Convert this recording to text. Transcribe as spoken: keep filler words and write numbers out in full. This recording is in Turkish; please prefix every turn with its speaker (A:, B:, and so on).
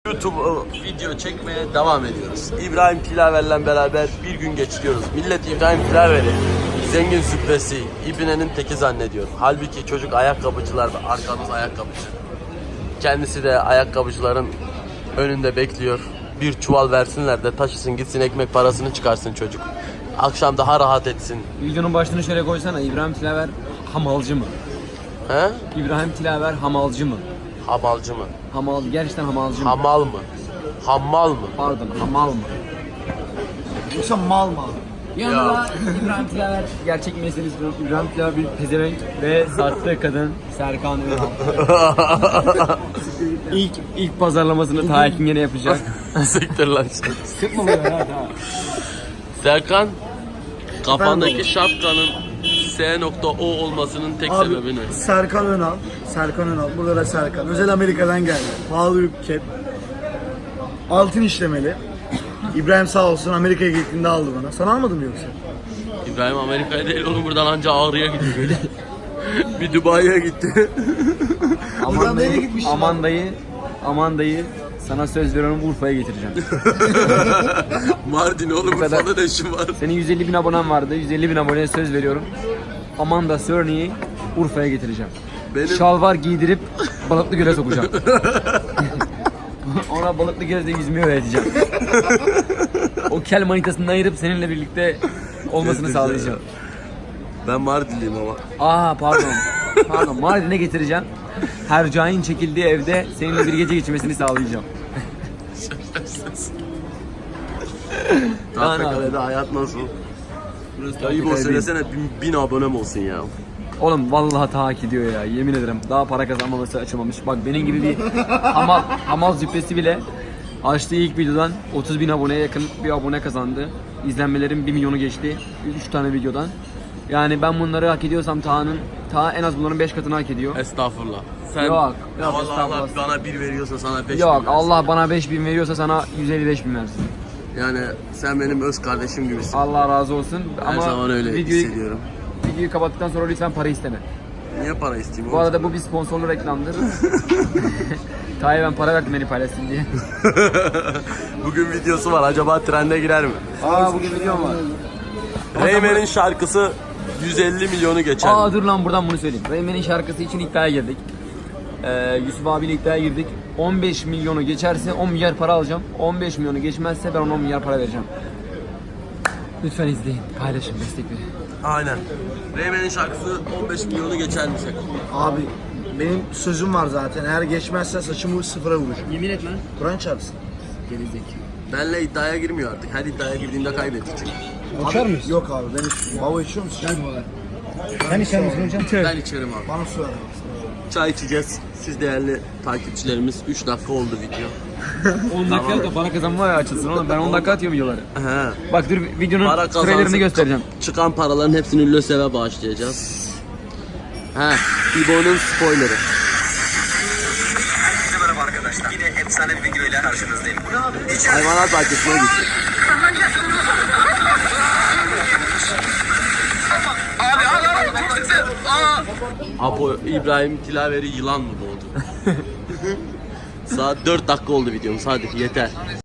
A: YouTube video çekmeye devam ediyoruz. İbrahim Tilaver'le beraber bir gün geçiriyoruz. Millet İbrahim Tilaver'i zengin züppesi, İbne'nin teki zannediyor. Halbuki çocuk ayakkabıcılar ve arkamız ayakkabıcı. Kendisi de ayakkabıcıların önünde bekliyor. Bir çuval versinler de taşısın gitsin, ekmek parasını çıkarsın çocuk. Akşam daha rahat etsin.
B: Videonun başlığını şöyle koysana. İbrahim Tilaver hamalcı mı?
A: He?
B: İbrahim Tilaver hamalcı mı?
A: Hamalcı mı?
B: Hamal, gerçekten hamalcı mı?
A: Hamal mı? Hammal mı?
B: Pardon, hamal mı?
C: Yoksa mal mı?
B: Yanında da İbrahim Tilaver gerçek meselesi İbrahim Tilaver bir pezevenk ve sattığı kadın Serkan Ünal. ilk ilk pazarlamasını Tayyip'in yine yapacak.
A: Siktir lan.
B: Sıkma böyle ha.
A: Serkan, kafandaki şapkanın S nokta O olmasının tek
C: Abi,
A: sebebi ne?
C: Serkan Önal. Serkan Önal. Burada da Serkan. Özel Amerika'dan geldi. Pahalı bir kep. Altın işlemeli. İbrahim sağ olsun Amerika'ya gittiğinde aldı bana. Sana almadım mı yoksa?
A: İbrahim Amerika'ya değil oğlum, buradan anca Ağrı'ya gidiyor. Bir Dubai'ye gitti.
B: Aman
C: nereye
B: dayı,
C: gitmişsin
B: aman dayı, aman dayı sana söz veriyorum Urfa'ya getireceğim.
A: Mardin oğlum,
B: kadar.
A: Urfa'da ne işin var?
B: Senin yüz elli bin abonen vardı. yüz elli bin aboneye söz veriyorum. Amanda Cerny'yi Urfa'ya getireceğim.
A: Benim...
B: Şalvar giydirip balıklı göle sokacağım. Ona balıklı gölde yüzmeyi öğreteceğim. O kel manitasından ayırıp seninle birlikte olmasını sağlayacağım.
A: Ben Mardinliyim ama.
B: Aa pardon. Pardon, Mardin'e getireceğim. Hercai'nin çekildiği evde seninle bir gece geçirmesini sağlayacağım.
A: Tahtakale'de hayat nasıl? Ayıp o söylesene, bin, bin abonem olsun ya.
B: Oğlum vallahi ta hak ediyor ya, yemin ederim. Daha para kazanmaması açılmamış. Bak benim gibi bir hamal, hamal züppesi bile açtığı ilk videodan otuz bin aboneye yakın bir abone kazandı. İzlenmelerim bir milyonu geçti. üç tane videodan. Yani ben bunları hak ediyorsam Taha'nın, Taha en az bunların beş katını hak ediyor.
A: Estağfurullah. Sen
B: Yok, yok,
A: Allah Allah
B: estağfurullah.
A: bana bir veriyorsa sana beş
B: Yok,
A: bin versin.
B: Allah bana beş bin veriyorsa sana yüz elli beş bin versin.
A: Yani sen benim öz kardeşim gibisin.
B: Allah razı olsun.
A: Her
B: Ama
A: zaman öyle
B: videoyu,
A: hissediyorum.
B: videoyu kapattıktan sonra lütfen para isteme.
A: Niye para isteyeyim
B: Bu
A: oğlum?
B: arada bu bir sponsorlu reklamdır. Taha'ya ben para verdim beni paylaşsın diye.
A: Bugün videosu var. Acaba trende girer mi?
B: Aa bugün videom var.
A: Reymen'in şarkısı yüz elli milyonu geçer.
B: Aa dur lan, buradan bunu söyleyeyim. Reymen'in şarkısı için iddiaya girdik. Ee, Yusuf abiyle iddiaya girdik. on beş milyonu geçerse on milyar para alacağım. on beş milyonu geçmezse ben ona on milyar para vereceğim. Lütfen izleyin, paylaşın, destek verin.
A: Aynen. Reymen'in şarkısı on beş milyonu geçer mi sen?
C: Abi benim sözüm var zaten. Eğer geçmezse saçımı sıfıra vuracağım.
B: Yemin et lan.
C: Kur'an çarpsın.
B: Gerizek.
A: Benle iddiaya girmiyor artık. Her iddiaya girdiğinde kaybetti çünkü.
C: Açar mıyız? Yok abi ben içmiyorum. Baba içiyor musun?
B: Sen içer misin hocam?
A: Ben içerim abi.
C: Bana su ver.
A: Çay içeceğiz. Siz değerli takipçilerimiz, üç dakika oldu video.
B: on dakika da para kazanma açılsın oğlum. Ben on dakika atıyorum videoları.
A: He.
B: Bak dur, videonun
A: Para
B: trailerini
A: kazansın.
B: göstereceğim.
A: Çıkan paraların hepsini LÖSEV'e bağışlayacağız. He. İbo'nun spoilerı.
D: Herkese merhaba arkadaşlar. Yine efsane bir video ile karşınızdayım. Bu ne abi?
A: Hayvanat bahçesine gittik.
D: Abi abi abi çok sıksın. Aa.
A: Apo İbrahim Tilaver'i yılan mı boğdu? Saat dört dakika oldu videomuz, hadi yeter.